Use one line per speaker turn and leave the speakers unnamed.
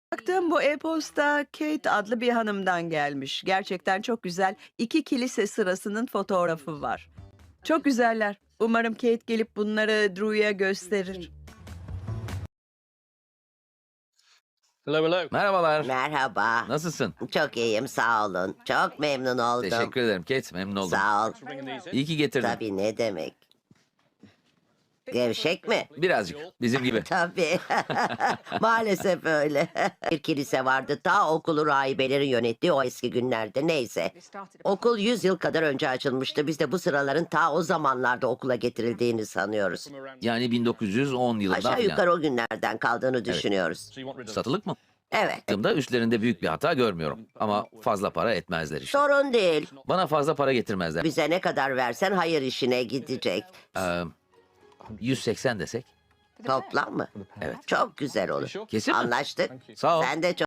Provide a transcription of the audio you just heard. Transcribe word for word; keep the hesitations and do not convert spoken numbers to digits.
Baktım bu e-posta Kate adlı bir hanımdan gelmiş. Gerçekten çok güzel. İki kilise sırasının fotoğrafı var. Çok güzeller. Umarım Kate gelip bunları Drew'ya gösterir.
Hello, hello.
Merhabalar.
Merhaba.
Nasılsın?
Çok iyiyim, sağ olun. Çok memnun oldum.
Teşekkür ederim Kate. Memnun oldum.
Sağ ol.
İyi ki getirdin.
Tabii, ne demek. Gevşek mi?
Birazcık. Bizim gibi.
Tabii. Maalesef öyle. Bir kilise vardı ta okulu rahibelerin yönettiği o eski günlerde, neyse. Okul yüz yıl kadar önce açılmıştı. Biz de bu sıraların ta o zamanlarda okula getirildiğini sanıyoruz.
Yani bin dokuz yüz on yılından
Aşağı
falan.
yukarı o günlerden kaldığını düşünüyoruz.
Satılık mı?
Evet.
Baktığımda üstlerinde büyük bir hata görmüyorum. Ama fazla para etmezler işte.
Sorun değil.
Bana fazla para getirmezler.
Bize ne kadar versen hayır işine gidecek.
Ee, yüz seksen desek.
Toplam mı?
Evet.
Çok güzel olur.
Kesin mi?
Anlaştık.
Sağ ol.
Sen de çok